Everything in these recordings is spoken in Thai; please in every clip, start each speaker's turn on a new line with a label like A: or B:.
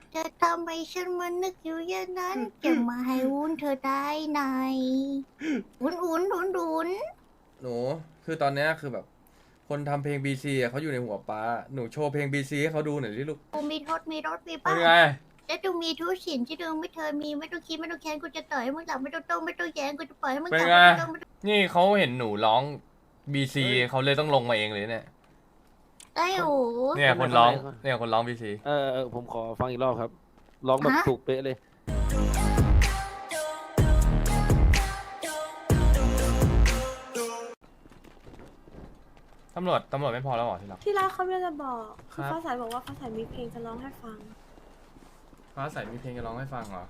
A: จะทำให้ฉันมานึกอยู่อย่างนั้น จะมาให้วุ้นเธอได้ไหนวุ้น
B: หนูคือตอนเนี้ยคือแบบคนทำเพลง BC อ่ะเขาอยู่ในหัวป้าหนูโชว์เพลง BC ให้เขาดูหน่อยสิลูก
A: กูมีรถมี
B: เป็น
A: บ้าน
B: ไง
A: และต้องมีทุกสิ่งที่เดิมไม่เธอมีไม่ต้องคิดไม่ต้องแค้นกูจะต่อยให้มึงหลับไม่ต้องไม่ต้องแย้งกูจะปล่อยให้มึง
B: เป็น
A: กลับ
B: ไง
A: ไม่ต้อง
B: นี่เขาเห็นหนูร้อง BC เขาเลยต้องลงมาเองเลยเนี่ย
A: ได้โอ้
B: เนี่ยคนร้องเนี่ยคนร้อง BC
C: ผมขอฟังอีกรอบครับร้องแบบ
A: ฮะ
C: ถูกเป๊ะเลย
B: ตำรวจไม่พอแล้วเหรอที่รัก
D: ที่รักเขาจะบอก
B: ค
D: คื
B: รั
D: อบ ฟ้าใสบอกว่าฟ้าใสมีเพลงจะร้องให้ฟัง
B: ฟ้าใสมีเพลงจะร้องให้ฟังเหรอ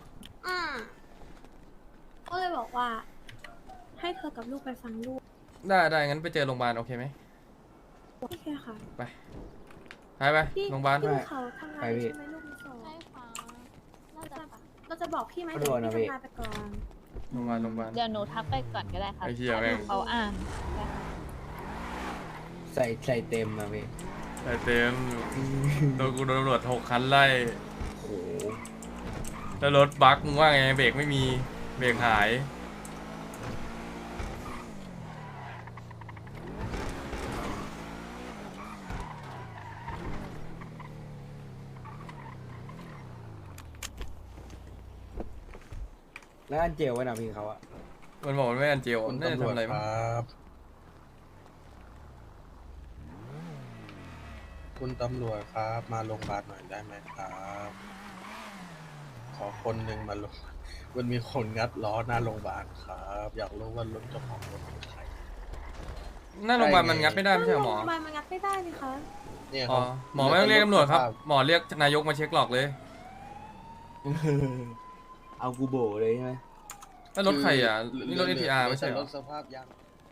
D: ก็เลยบอกว่า ให้เธอกับลูกไปฟังลูก
B: ได้งั้นไปเจอโรงพยาบาลโอเคไหม
D: โอเคค่ะ
B: ไป
D: พี่
B: โรงพยาบาล
D: พี่ภูเขาทำงานอยู่ใช่ไหมลูกมีโซ
E: ใช่ค่ะน่าจะปะ
D: เราจะบอกพี่ไหม
F: ไม่
D: เดี๋ยว
F: โดนนะ
D: พี่
F: พี่
D: ทำงานไปก่อน
B: โรงพยาบาล
E: เดี๋ยวหนูทักไปก่อนก็ได้ค่ะ
B: ไอ้เหี้ยแม่ง
E: เขาอ่าน
F: ใส่เต็มนะพี่
B: ไปเต็มโดนกูโดนตำรวจ6 คันไล่
F: โอ้โห
B: แล้วรถบั๊กมึงว่าไงเบรกไม่มีเบรกหาย
F: แล้วอันเจลไว้นะพี่เขาอะ
B: มันบอกมันไม่อันเจล
G: คุณ
B: น่าจะ
G: ตำร
B: ทำ
G: วจ
B: อะไร
G: ค
B: มั้ง
G: รับคุณตำรวจครับ มาโรงพยาบาลหน่อยได้ไหมครับ ขอคนหนึ่งมาลงมันมีคนงัดล้อหน้าโรงพยาบาลครับ อยากรู้ว่ารถเจ้าของรถเป็นใคร
B: หน้าโรงพยาบาลมันงัดไม่ได้ไม่ใช่เหรอหมอ
D: ทำไมมันงัดไม่ได้นี่คะ
G: เนี่ย
B: อ๋อ
G: เขา
B: หมอไม่ต้องเรียกตำรวจครับ หมอเรียกนายกมาเช็คหลอกเลย
F: เอากูโบเลยใช่ไหม
B: แล้วรถใครอ่ะนี่รถ NTR ไม่ใช่เหร
G: ร
B: อ
G: ถสภาพยาง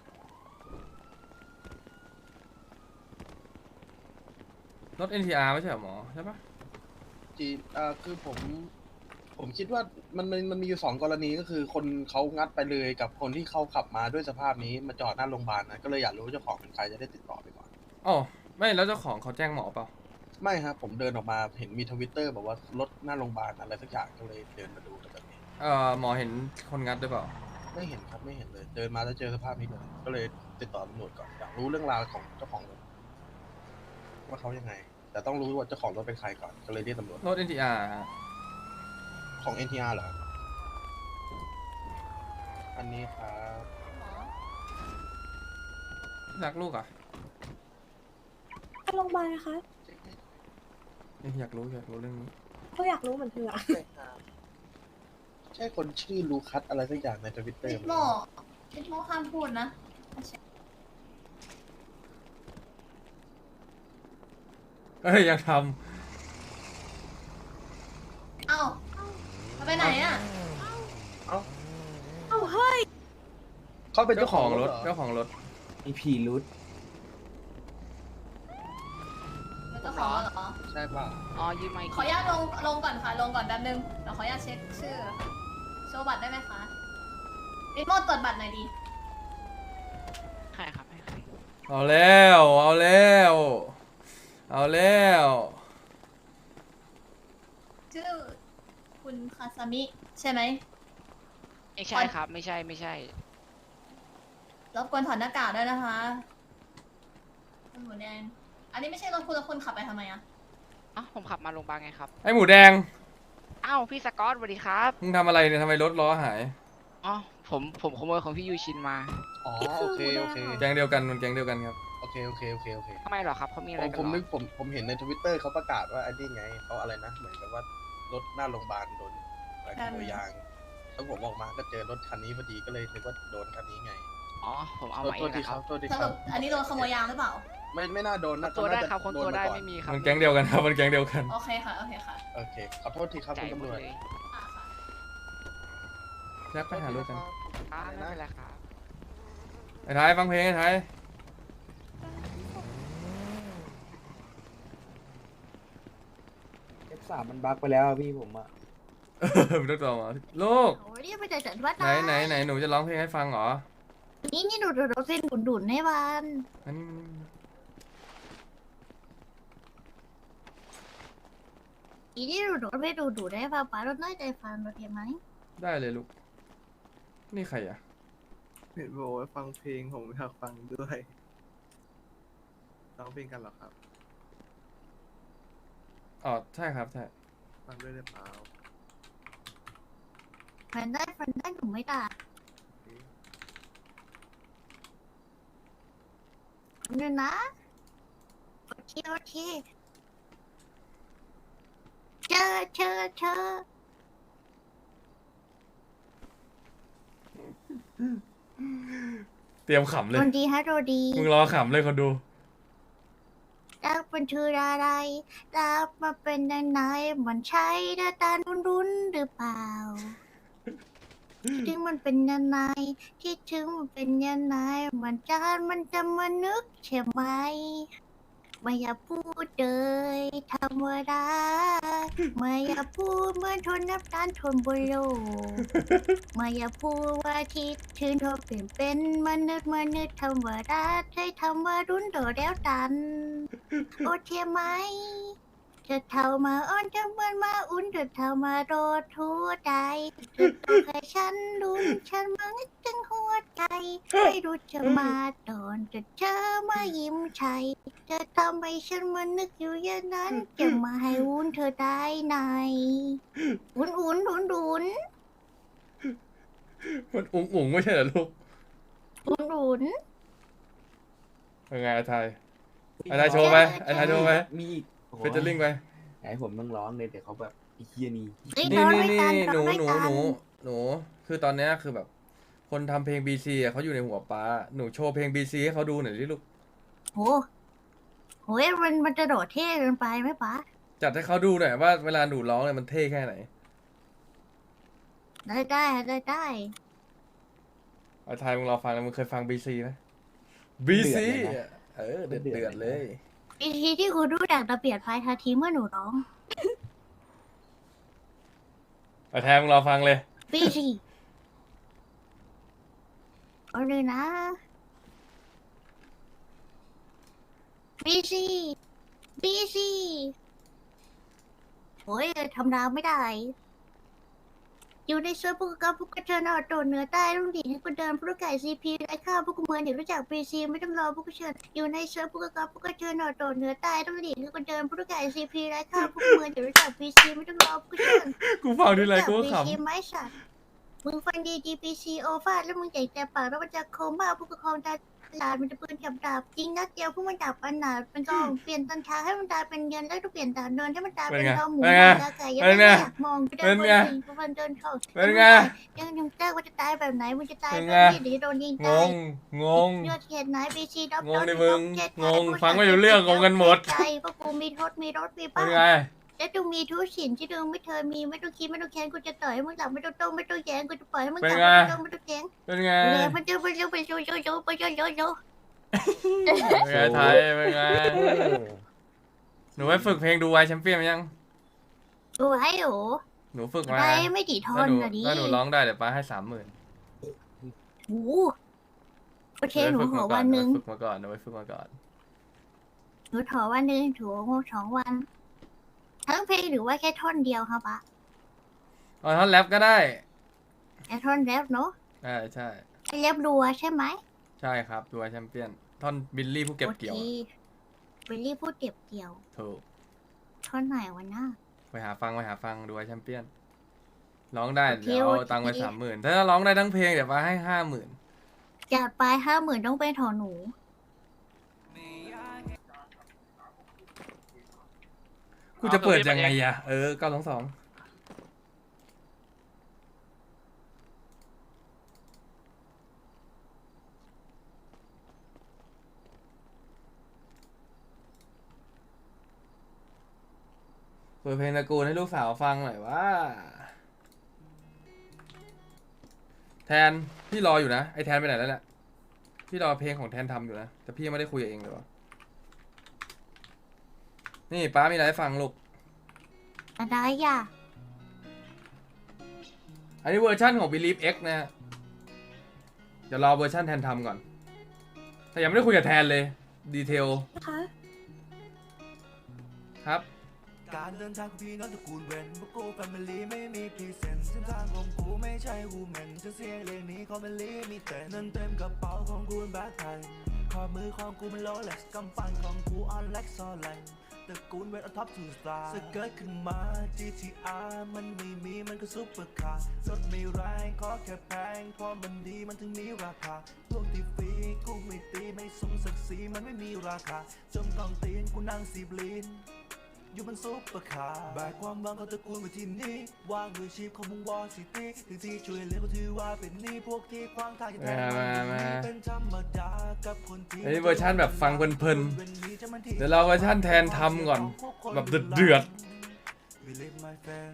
B: รถ NTR ไม่ใช่เหรอหมอใช่ปะ
G: จีคือผมคิดว่ามันมีอยู่2 กรณีก็คือคนเขางัดไปเลยกับคนที่เขาขับมาด้วยสภาพนี้มาจอดหน้าโรงพยาบาลนะก็เลยอยากรู้ว่าเจ้าของเป็นใครจะได้ติดต่อไปก่อน
B: อ๋อไม่แล้วเจ้าของเขาแจ้งหมอเปล่า
G: ไม่ครับผมเดินออกมาเห็นมีTwitterบอกว่ารถหน้าโรงพยาบาลอะไรสักอย่างก็เลยเดินมาดูแต่แบบนี้
B: หมอเห็นคนงัดหรือเปล่า
G: ไม่เห็นครับไม่เห็นเลย เดินมาแล้วเจอสภาพนี้เลยก็เลยติดต่อตำรวจก่อนอยากรู้เรื่องราวของเจ้าของรถว่าเขายังไง แต่ต้องรู้ว่าเจ้าของรถเป็นใครก่อนก็เลยเรียกตำรวจ
B: รถ NTR ฮะ
G: ของ NTR เหรออันนี้ครับ
B: รักลูกอ่ะ
D: ไปโรงพยาบาลนะคะ
B: อยากรู้เรื่องนี้
D: ก็อยากรู้เหมือนเธออะ
G: ใช่ครับใช่คนชื่อลูคัสอะไรสักอย่างในทวิตเตอร์
A: ลิโมห้ามพูดนะ
B: เอ้ยยังท
A: เอ้าไปไหนอ่ะ
G: เอ้า
D: เอ้าเฮ้ย
G: เขาเป็น
B: ำ
G: เจ้าของรถ
B: เจ้าของรถ
F: มีผีรุด
A: เจ้าของเหรอ
G: ใช่ป่ะ
H: อ๋อยืมไมค์
A: ขออนุญาตลงก่อนค่ะ ลงก่อนแป๊บนึงเดี๋ยวขออนุญาตเช็คชื่อ โชว์บัตรได้ไหมคะลิโมตรวจบัตรหน่อยดี
H: ใครครับให้ใคร
B: เอาแล้ว
A: ชื่อคุณคาซามิใช่ไหม
H: ไม่ใช่ครับ ไม่ใช่
A: รบกวนถอดหน้ากากด้วยนะคะคุณหมูแดงอันนี้ไม่ใช่รถคุณแล้วคุณขับไปทำไมอะ
H: อ๋อผมขับมาโรงพยาบาลไงครับ
B: ไอหมูแดง
H: อ้าวพี่สกอตสวัสดีครับ
B: มึงทำอะไรเนี่ยทำไมรถล้อหาย
H: อ๋อผมขโมยของพี่ยูชินมา
G: อ๋อโอเคโอเค
B: แก๊งเดียวกันมันแก๊งเดียวกันครับ
G: โอเคโอเค
H: ทำไมเหรอครับเขามีอะไรกัน
G: ผม
H: เหร
G: นึ
H: อก
G: ผมเห็นในทวิตเตอร์เขาประกาศว่าอันนี้ไงเขาอะไรนะเหมือนกับว่ารถหน้าโรงพยาบาลโดนอะไรขโมยยางแล้วผมออกมาก็เจอรถคันนี้พอดีก็เลยนึกว่าโดนคันนี้ไง
H: อ๋อผมเอา
G: โทษ
H: มาเอ
G: โทษ
H: ง
G: ที
H: นะ
G: ค
H: ค
G: รั
H: รั
G: บบ โทษที
A: ส
G: ค
A: รุ
G: รับ
A: ปอันนี้โดนขโมยยางหรือเปล่า
G: ไม่น่าโดนนะ
H: ตัวได้
G: น่าจะ
H: ครับคน
G: โ
H: ตัวได้
G: มาก่อ
H: ไม่มีครับ
B: มันแก๊งเดียวกันครับมันแก๊งเดียวกัน
A: โอเคค่ะ โอเคค่ะ
G: โอเคขอโทษทีครับ
H: ใจ
G: คุณ
H: หม
G: ตำรวจ
H: ดเลย
A: อ่าค่ะ
B: แล้วไปหารถกัน
H: อ่าไม่เป็นไรครับ
B: ไอ้ไทยฟังเพลงไอ้ไทย
F: F3 มันบั๊กไปแล้วอะพี่ผมอะ
B: มึงต้องต่อมาลูก
A: โอ้ยไปแต่จัดวัด
B: ไหนหนูจะร้องเพลงให้ฟังเหรอ
A: นี่ดูเส้นดุนให้บ้าน
B: อันนี้
A: อีนี่ดูไม่ดูได้ป่ะป้าเราน้อยใจฟังเราเทียมไหม
B: ได้เลยลูก นี่ใครอ่ะ
I: เห็นบอกว่าฟังเพลงผมอยากฟังด้วยร้องเพลงกันเหรอครับ
B: อ๋อ ใช่ครับ ใช่
I: ฟังด้วยได้เปล่า
A: ฟันได้หนูไม่ด่าเนี่ยนะโอเคเชอ
B: เตรียมขำเลย
A: โดนดีฮะโดนดี
B: มึงรอขำเลยคนดู
A: รักเป็นชื่ออะไรรักมาเป็นยังไงมันใช่หน้าตารุนหรือเปล่าถึงมันเป็นยังไงคิดถึงมันเป็นยังไงมันจะมานึกใช่ไหมไม่อยากพูดเลยธรรมดาไม่อยากพูดเหมื่อนทนน้ำตาลทนบนโลกไม่อยากพูดว่าคิดถึงเธอเปลี่ยนเป็นมนุษย์ธรรมดาใช้ทำว่ารุนโดดแล้วดัน โอเคไหมเธอเท่ามาอ้อนเธอเหมือนมาอุ่นเธอเท่ามาโดดทั่วใจเธอต้องให้ฉันรุนฉันมานึกถึงหัวใจไม่รู้จะมาตอนจะเจอมายิ้มชัยเธอทำให้ฉันมานึกอยู่อย่างนั้นจะมาให้อุ่นเธอได้ไหนอุ่น
B: มันอุ๋งไม่ใช่เหรอลูก
A: อุ่น
B: เป็นไงอาไทยอาไทยโชว์ไหมอาไทยโชว์ไหม
F: มีอีกโอ้โห
B: เฟเจอริ่งไป
F: ไหนผมต้องร้องเลยแต่เขาแบบไอ้เฮียนี่
A: เฮ้ย
B: นี่
A: ร้อง
B: นี่
A: ด้วย
B: นี่
A: กัน
B: หนู
A: ร้องด้วยกัน
B: คือตอนเนี้ยคือแบบ คนทำเพลงบีซีเขาอยู่ในหัวป้า หนูโชว์เพลงบีซีให้เขาดูหน่อยดิลูก
A: โหมันจะโดดเท่เกินไปไหมป๊า
B: จัดให้เขาดูหน่อยว่าเวลาหนูร้องเนี่ยมันเท่แค่ไหน
A: ได้
B: อาไทยมึงรอฟังแล้วมึงเคยฟังบีซีไหมบีซีเดือดเลย
A: วิธีที่คุณรู้ดักระเบียดไฟทาทีเมื่อหนูร้อง
B: อาไทยมึงรอฟังเลย
A: ปีสิเอาเลยนะบีซีโอ้ยทำราวไม่ได้ อยู่ในเซิร์ฟพวกกับพวกกระเชิญเอาโดดเหนือใต้ต้องดีให้กูเดินพวกไก่ซีพีไอ้ข้าวพวกกูเมืองเดี๋ยวรู้จักบีซีไม่ต้องรอพวกกระเชิญอยู่ในเซิร์ฟพวกกับพวกกระเชิญเอาโดดเหนือใต้ต้องดีให้กูเดินพวกไก่ซีพีไอ้ข้าวพวกกูเมืองเดี๋ยวรู้จักบีซีไม่ต้องรอพวกกระเชิญ
B: กูฟังทีไรกูก็
A: บี
B: ข
A: ซีไหมสัตว์มึงฟังดีดีบีซีโอฟาดแล้วมึงใหญ่แต่ปากแล้วมันจะโคม่าผู้ปกครองตลาดมันจะปืนกับดาบจริงนัดเดียวพวกมันดับอันหนาเป็นกองเปลี่ยนตันช้าให้มันตายเป็นเงินแล้วก็เปลี่ยนตาเดินให้มันตายเป็นดาวหมูดาวไก่ยังไม่อยากมองกูเดินบนสิ่งกูเดินเข้า
B: ำเป็นไง
A: ยังเจ้าว่าจะตายแบบไหนมึงจะตาย
B: เป็น
A: แบ
B: ไง
A: บนี้หรือโดนยิง
B: ง
A: ตาย
B: ง
A: เลือดเขียนไหนบีซีด็อก
B: งงดิมึงงงฟังไม่รู้เรื่องงงกันหมด
A: ใจพวกกูมีรถมี
B: เป็
A: บ้าน น
B: ไง
A: แล้วดูมีทุกสิ่งที่ดูไม่เคยมีไม่ต้องคิดไม่ต้องแค้นกูจะต่อยให้มึงหลับไม่ต้องโต้ไม่ต้องแย้งกูจะปล่อยให้มึงหลับไม่ต้องโต้ไม่ต้องแย้ง
B: เป็นไง
A: เลยมันจะไปโยเป็นไง
B: ไทยเป็นไง หนูไปฝึกเพลงดูไวแชมเปี้ยนยัง
A: ดูให้โห
B: หนูฝึกมา
A: ได้ไม่กี่ท
B: ถ้าน หนู
A: อะดิ
B: ถ้าหนูร้องได้เดี๋ยวป้าให้30,000
A: โอ้โอเคหนูขอวันหนึ่ง
B: ฝึกมาก่อนหนูไปฝึกมาก่อน
A: หนูขอวันหนึ่งถูก2 วัน ทั้งเพลงหรือว่าแค่ท่อนเดียวครับปะ
B: เอาท่อนแรปก็ได้
A: แค่ท่อนแรปเนาะ
B: ใช่ใช่
A: แรปรัวใช่ไหม
B: ใช่ครับดูไวแชมเปี้ยน ท่อนบิลลี่ผู้เก็บเกี่ยว
A: โอควิลลี่พูดเก็บเกี่ยว
B: ถูก
A: ท่อนไหนวะน่า
B: ไปหาฟังดูไวแชมเปี้ยน ร้องได้
A: โอเค
B: เดี๋ยวเอาตังค์ไป
A: โอเค
B: 30,000 ถ้าร้องได้ทั้งเพลงเดี๋ยวป้าให้50,000
A: จัดไป50,000ต้องเป็นของหนู
B: กูจะเปิดยังไงอะ922เปิดเพลงตระกูลให้ลูกสาวฟังหน่อยว่า แทนพี่รออยู่นะไอแทนไปไหนแล้วเนี่ยพี่รอเพลงของแทนทำอยู่นะแต่พี่ยังไม่ได้คุยกับเองเลยวะนี่ป้ามีอะไรให้ฟังลูก
A: อะไรอ่ะ
B: อันนี้เวอร์ชั่นของ Believe X นะฮะเดี๋ยวรอเวอร์ชั่นแทนทำก่อน แต่ยังไม่ได้คุยกับแทนเลย ดีเทล
D: นะคะ
B: ครับ
J: การเดินทางของพี่น้องตระกูลเวนพวกกูแฟมิลี่ไม่มีพรีเซนต์เส้นทางของกูไม่ใช่วูแมนจะเสียงเรียงนี้คอมเมลี่มีแต่เงินเต็มกระเป๋าของกูแบกไทยขอมือของกูมันโลเล็กซ์กำปั้นของกูออนเล็กซ์ซอลไลน์ตระกูลเวนออท็อปทูสตาร์สเกิร์ตขึ้นมา GTR มันไม่มีมันก็ซุปเปอร์คาร์รถไม่แรงขอแค่แพงเพราะมันดีมันถึงมีราคาพวกที่ฟรีกูไม่ตีไม่สมศักดิ์ศรีมันไม่มีราคาจมกองตีนกูนั่งสีบลีนอยู่บนซุปเปอร์คาร์แบกความหวังของตระกูลไว้ที่นี่วางมือชีพของมึงวอลซิตี้ถึงที่ช่วยเหลือก็ถือว่าเป็นหนี้พวกที่ขวางทางจะแทนมันเป็นธรรมดากับคนที่
B: อันนี้เวอร์ชันแบบฟังเพลินๆเดี๋ยวเราเวอร์ชันแทนทำก่อนแบบเดือด
J: Believe my friend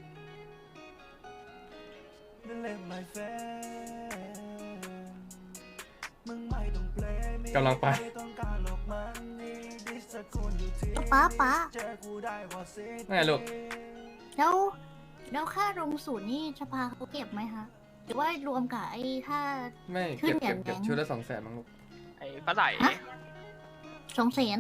J: Believe my friend มึงไม่ต้องเปลมี
B: กำลังไป
J: ม่ต้องการหลอกมันนี่ดิสกุลอยู่ที่
A: ป๊า
J: เจอกูได้ว่าสิ
B: ไงลูก
A: แล้วค่าลงสูตรนี่สภาเขาเก็บไหมคะหรือว่ารวมกับไอ้ค่า
B: ไม่
A: ขึ้
B: เก็
A: น
B: บ
A: อย่าง
B: ชุด
A: นั้น
B: ละ200,000มั้งลูก
H: ไอ้ปลาไหล
A: ฮะ 200,000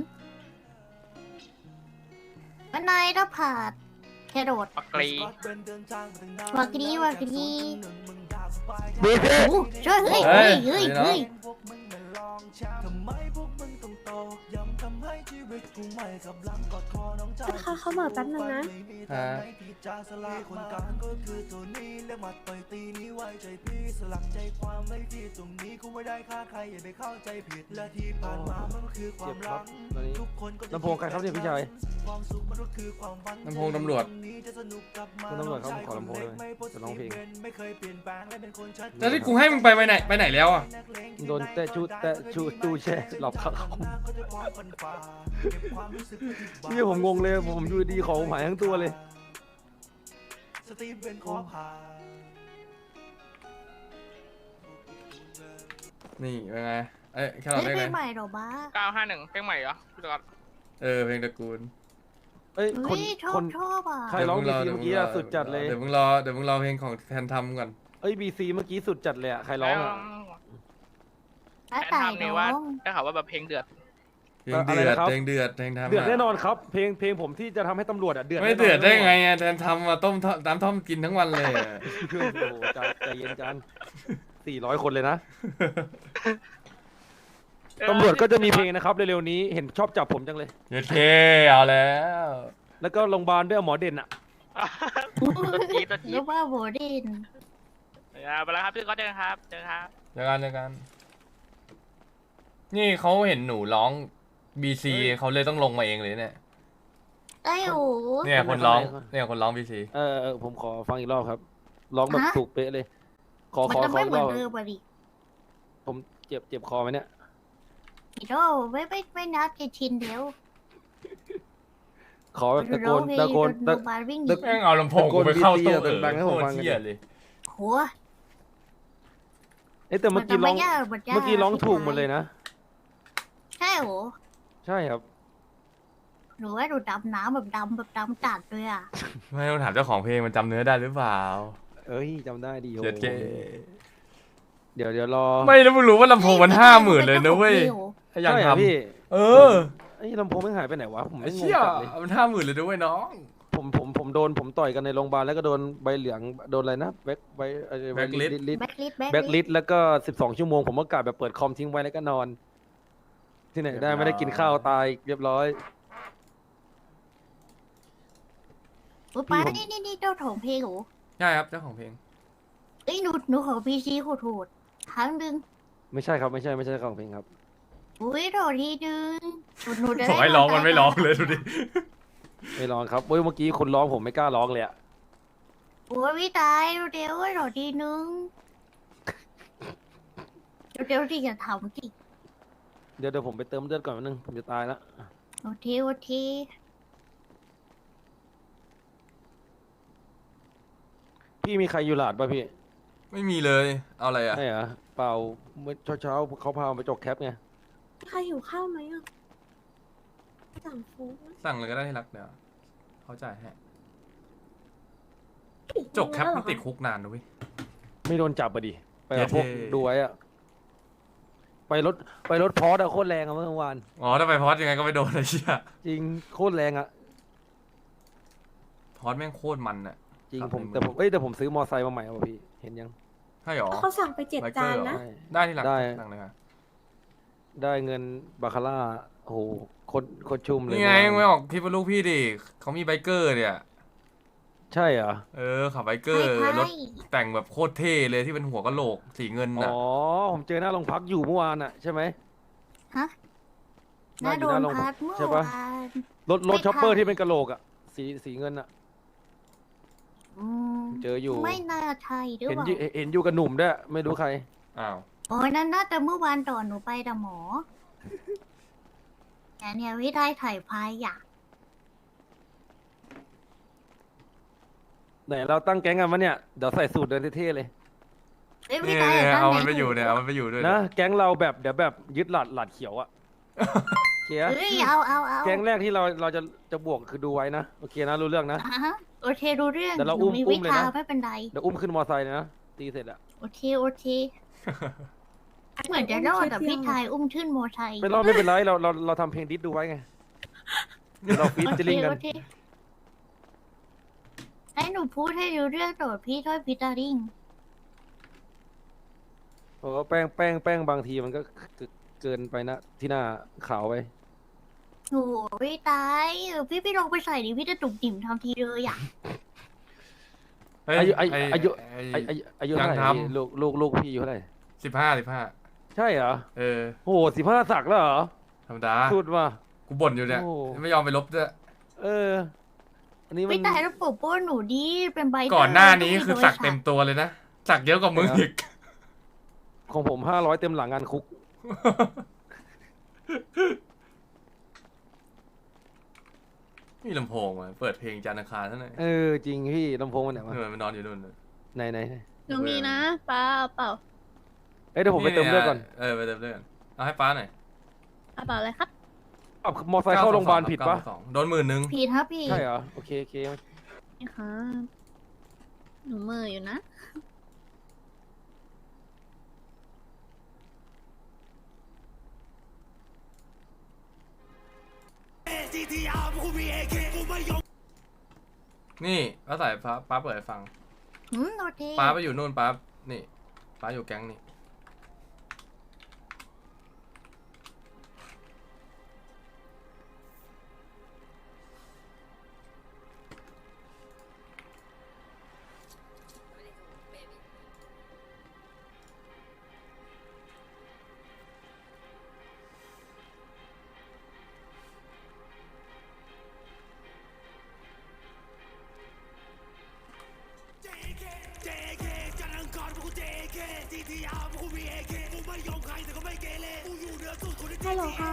A: วันนายถ้าผ่าแครอท
H: ปักกรี
A: วากรีวากรี
C: บีซี
A: โอ้ช่วยเฮ้ยเฮ้ยเฮ้ยเฮ้ย
J: พวกมึงไม่ลองช้ำทำไมพวกมึงต้องตอกย้ำทำให้ชีวิตกูไม่กับหลังกอดคอน้องชาย
D: เขาเหมือแป๊บนึงนะ
B: ฮะ
J: ที่จะสละคนกลางก็คือตัวนี้เรียกมาต่อยตีนี้ไว้ใจพี่สลักใจความไว้ที่ตรงนี้กูไม่ได้ฆ่าใครอย่าไปเข้าใจผิดและที่ผ่านมามันก็คือความ
C: เจ็บครั
J: รับ ก
C: ตอนนี้
J: ทุกคนก็จะ
C: ลำโพงใครครับเนี่ยพี่ชาย
J: ความสุขมันก็คือความฝัน
B: ลำโพงตำรวจ
J: จะสนุกกับมา
C: คุณตำรวจครับผมขอลำโพงด้วยจะร้องเพลง
J: ไม่เคยเปลี่ยนแปลงและเป็นคนชัด
B: แล้วที่กูให้มึงไปไหนแล้วอ่ะ
C: โดนแตะชูตู้แช่หลบเขาพี่ผมงงเลยผมอยู่ดีของผมหายทั้งตัวเลย
J: สตีฟเป็นขอผ่า
B: นี่เป็นไงเอ้ยแค่เรา
A: เฮ้ย
B: ได้
A: เพล
B: ไง
A: งใหม่เหรอบ้า
H: 951เพลงใหม่เหรอพี่ตอด
B: เพลงตระกูล
C: เอ้ยค
A: เฮ้
C: น
A: ยชอ
C: ค
A: บ
C: น
A: ชอบอ่ะ
C: ใครร้อง BC เมื่อกี้อะสุดจัดเลย
B: เดี๋ยวมึงรอเพลงของแทนทำก่อน
C: เอ้ยบีซีเมื่อกี้สุดจัดเลยอะใครร้องอะ
A: แล้ว
H: แทน
A: ตาย
H: ทำเนี่ย
A: น้
H: ว่า
A: อง
H: ได้ข่าวว่าแบบเพลงเดือด
B: เพลงเดือดเพลงเดือดเพลงทำ
C: เดือดแน่นอนครับ เพลงผมที่จะทำให้ตำรวจอะเดือด
B: ไม่เดือดได้ไงอ่ะแทนทำมาต้มน้ำท่อมกินทั้งวันเลยอะ
C: โอ้โหใจเย็นจัน400 คนเลยนะตำรวจก็จะมีเพลงนะครับเร็วๆนี้เห็นชอบจับผมจังเลย
B: โอเคเอาแล้ว
C: แล้วก็โรงพยาบาลด้วยหมอเด่นอะ
H: ตัวจี๊ดตัวจี๊
A: แล้
H: ด
A: วว่าโบเดน
H: ไปแล้วครับพี่ก็เจอกันครับเจอกันครับ
B: เจอกันนี่เขาเห็นหนูร้อง BC เขาเลยต้องลงมาเองเลยเนี่ย
A: ไอ้โอ้
B: เนี่ยคนร้อง BC
C: ผมขอฟังอีกรอบครับร้องแบบถูกเป๊ะเลย ขอ
A: มัน
C: ขอ
A: จะ
C: ขอ
A: ไม่
C: อี
A: เห
C: ก
A: มื
C: ร
A: อ
C: อน บ
A: เดิมอ่ะดิ
C: ผมเจ็บคอไหมเนี่ย
A: อีโดไม่นับจะชินเดียว
C: ขอแบบตะโกน
A: โร
C: ตะโกน
A: โรงพยาบาลวิ่งหนี
B: แม่งเอาลำโพงกูไปเข้าตู้
C: ตะโกน BC อะดังๆให้ผมฟัง
B: โคตรเหี้ยเลย
A: โห
C: เอ้ยแต่เมื่อกี้ร้อง
A: นจะไยากมันยาก
C: เมื่อกี้ร้องถูกหมดเลยนะ
A: ใช่โห
C: ใช่ครับ
A: หนูว่าหนูดำน้ำแบบดำจัดเลยอ่ะ
B: ไม่ต้องถามเจ้าของเพลงมันจำเนื้อได้หรือเปล่า
C: เอ้ยจำได้ดีโห
B: เจ็ดเจ
C: เดี๋ยวรอ
B: ไม่แล้วมึงรู้ว่าลำโพงมัน50,000เลยนะเว้ยถ้าอยาก
C: ใช่เหร
B: ท
C: อพี่
B: ำเออ
C: ไอ้ลำโพงไม่หายไปไหนวะผม
B: ไอ้
C: ไม่งง
B: เชี่ย
C: จัดเลย
B: มัน50,000เลยด้วยน้อง
C: ผมโดนผมต่อยกันในโรงพยาบาลแล้วก็โดนใบเหลืองโดนอะไรนะแบ็คใบ
B: Blacklist
C: ลิส
A: แบ็คลิส
C: แบ็คลิสแล้วก็12 ชั่วโมงผมก็กะแบบเปิดคอมทิ้งไว้แล้วก็นอน ที่ไหนได้ไม่ได้กินข้าวตายเรียบร้อย
A: อุ๊ยป้านี่เจ้าของเพลงโห
B: ใช่ครับเจ้าของเพลง
A: เอ้ยหนูขอพีซีโหดครั้งหนึ่ง
C: ไม่ใช่ครับไม่ใช่ของเพลงครับ
A: อุ้ยโดดทีนึงหนูจะ
B: ขอให้ร้องมันไม่ร้องเลยดูดิ
C: ไม่ร้องครับเว้ยเมื่อกี้คุณร้องผมไม่กล้าร้องเลยอะ
A: โอ้ยพี่ตายเดี๋ยวโดดทีนึงเดี๋ยวที่จะทำสิ
C: เดี๋ยวผมไปเติมเลือดก่อนแป๊บนึงผมจะตายแล้ว
A: โอเค
C: พี่มีใครอยู่หลาดป่ะพี่
B: ไม่มีเลยเอาอะไรอ่ะ
C: ใช่เหรอเปล่าเมื่อเช้าเขาพาไปจกแคปไง
D: ใครหิวข้าวไหมอ่ะสั่งฟู้ด
B: สั่งเลยก็ได้ที่รักเดี๋ยวเขาจ่ายให้จกแคปมันติดคุกนานนะเว้ย
C: ไม่โดนจับอะดิไปกับพวก
B: เท่
C: ดูไว้อะไปรถพอร์ตอะโคตรแรงอะเมื่อวาน
B: อ๋อถ้าไปพอดยังไงก็ไม่โดนเลยเชี่ย
C: จริงโคตรแรงอะ
B: อสแม่งโคตรมันอะ
C: จริง
B: ครับ
C: ผม
B: ในเมือง
C: แต่ผมซื้อมอไซค์มาใหม่ว่ะพี่เห็นยัง
B: ใช่หรอ
D: เขาสั่งไป7
B: ไบเก
D: จา
B: อน ร์เหรอ
D: นะ
B: ได้ที่หลัง
C: ได้
B: หลังเลยค่ะ
C: ได้เงินบาคาร่าโอ้โหโคตรชุ่มเลย
B: นี่ไง
C: เมื่อวาน
B: ไม่ออกคลิปลูกพี่ดิเขามีไบเกอร์เนี่ย
C: ใช่เหรอ
B: ขับไบเกอร์
A: ใช่
B: รถแต่งแบบโคตรเท่เลยที่เป็นหัวกะโหลกสีเงิน
C: อ๋
B: น่ะ
C: อผมเจอหน้าโรงพักอยู่เมื่อวานอ่ะใช่ไหม
A: ฮะน่าโดนพัดเมื่อ
C: ใช่
A: วา
C: ปะ
A: น
C: รถ
A: ไม่
C: ช็อปเปอร์
A: ทัน
C: ที่เป็นกะโหลกอ่ะสีเงินอ่ะ
A: อืม
C: เจออยู่
A: ไม่น่าใช่หรือ
C: เห็น
A: เปล่า
C: เห็นอยู่กับหนุ่มด้วยไม่รู้ใคร
B: อ้าว
A: โอ้ยนั่นน่าจะเมื่อวานตอนหนูไปแต่หมอ แต่เนี่ยวิธีถ่ายพายอยาก
C: ไหนเราตั้งแก๊งกันวะเนี่ยเดี๋ยวใส่สูตรเดินเท่ๆเลย
A: เอ้ย
B: นี่
A: วิธี
B: เนี่ย
A: ตั้ง
B: เอา
A: ไห
B: มันไปอยู่เนี่ยเอามันไปอยู่ด้วย
C: นะแก๊งเราแบบเดี๋ยวแบบยึดหลัดเขียวอ่ะโอเคอะ
A: เอ้ยเอา
C: แก๊งแรกที่เราจะบวกคือดูไว้นะโอเคนะรู้เรื่องนะ
A: อ่ะฮะโอเครู้เรื่อง
C: เดี๋ยวเรา
A: หนูมี
C: อุ้
A: วิ
C: มเลย
A: ชา
C: นะ
A: ไม่เป็นไร
C: เดี๋ยวอุ้มขึ้นมอไซค์เลยนะตีเสร็จอะ
A: โอเคเหมือนจะรอดแต่พี่ชายอุ้มขึ้นโมอไซค์
C: ไม่รอดไม่เป็นไรเราทำเพลงดิสดูไว้ไงเดี๋ยวเราฟีด
A: โอ
C: จะ
A: เค
C: ลิงกัน
A: โอเคให้หนูพูดให้รู้เรื่องโดดพี่ถ้อยพิจาริง
C: โอ้แป้งบางทีมันก็เกินไปนะที่หน้าขาวไป
A: โอ้ยตายพี่ลองไปใส่ดิพี่จะตุ่มติ่มทำทีเลยอ่ะ
B: เฮ้ย
C: อายุเท่าไหร่
B: ยังท
C: พี่ลูกพี่อายุเท่าไหร่
B: ำ15
C: ใช่เหรอ
B: 15
C: โอ้โห15สักแล้วเหรอ
B: ธรรมดา
C: สุดว่ะ
B: กูบ่นอยู่เนี่ย
C: โอ้
B: ไม่ยอมไปลบด้วย
C: อันนี้มั
A: ไม่
C: น
A: ตายแล้วปกป้องหนูดีเป็นใบ
B: ก่อนหน้านี้
A: ต้ง
B: คือสักเต็มตัวเลยนะสักเยอะกว่ามึงอีก
C: ของผม500เต็มหลังงานคุก
B: มีลำโพงมาเปิดเพลงจันทร์อังคารท่านไหน
C: จริงพี่ลำโพงมันไหนวะ
B: มันนอนอยู่นู่นน่ะ
C: ไหน
E: หนูมีนะป้าเอาเปล่า
C: เดี๋ยวผมไปเติมเลือดก่อน
B: ไปเติมเลือดก่อนเอาให้ป้าหน่อย
E: เอาเปล่าอะไรครับ
C: มอไซค์เข้าโรงพยาบาลผิดปะ
B: 922โดน10,000
A: ผิดครับพี่
C: ใช่เหรอโอเค
E: นี่ค่ะหนูมืออยู่นะ
B: นี่ป้าใส่ป้าเปิดให้ฟัง
A: โอเค
B: ป้าไปอยู่นู่นป้านี่ป้าอยู่แก๊งนี่
D: ฮัลโหลค่ะ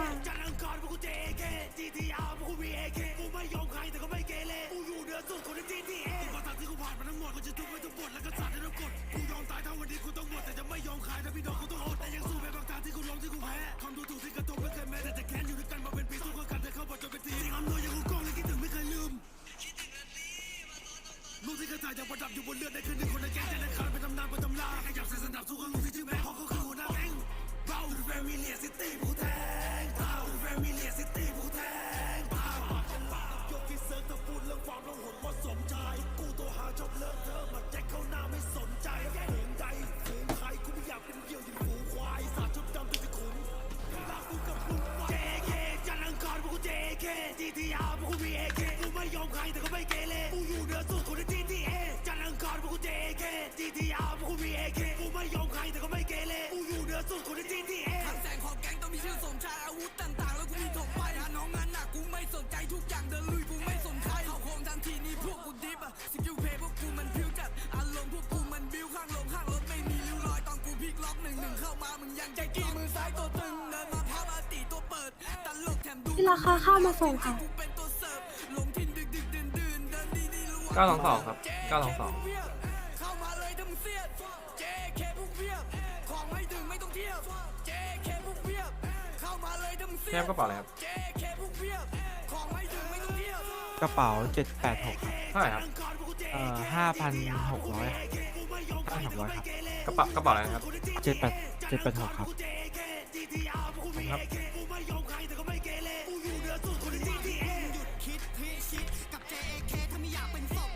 D: ที่ราคาเข้ามาส่งค่ะ
B: 922ครับ922แนบกระเป๋าอะไรครับ
K: กระเป๋า786ครับ
B: เท่าไหร่ครับ
K: 5,600 5,600 ครับ
B: กระเป๋าอะไรนะครับ
K: 786 ครับ
B: ครับ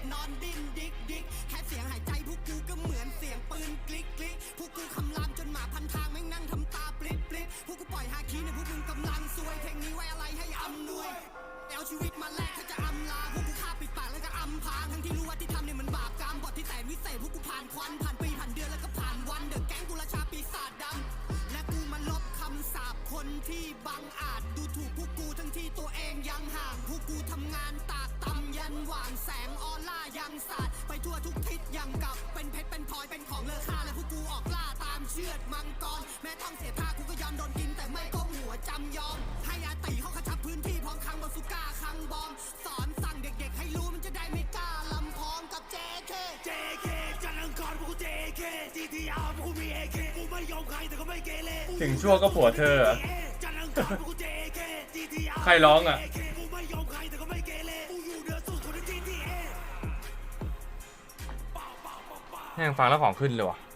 J: ำเนี่ยมันบาปกรรมบทที่แสนวิเศษพวกกูผ่านควันผ่านปีผ่านเดือนแล้วก็ผ่านวันเดอะแก๊งกูราชาปีศาจดำและกูมาลบคำสาปคนที่บังอาจดูถูกพวกกูทั้งที่ตัวเองยังห่างพวกกูทำงานตากตำยันหว่างแสงออร่ายังสาดไปทั่วทุกทิศยังกับเป็นเพชรเป็นพลอยเป็นของเลอค่าและพวกกูออกล่าตามเชือดมังกรแม้ต้องเสียท่ากูก็ยอมโดนกินแต่ไม่ก้มหัวจำยอมให้อาตีเขาขจับพื้นที่พร้อมคังบาสุก้าคังบอมสอนสั่งเด็กๆให้รู้มันจะได้ไม่กล้าลำพองกับ JK จันทร์อังคารพวกกู JK GTR พวกกูมี AK กูไม่ยอมใครแต่ก็ไม่เกเร
B: ถึงชั่วก็ผัวเธอ
J: จันทร์อังคารพวกกู JK GTR
B: ใครร้องอ่ะ
J: กูไม่ยอมใครแต่ก็ไม่เกเรกูอยู่เหนือสุดคนใน GTA
B: แม่งฟังแล้วของขึ้นเลยว่ะ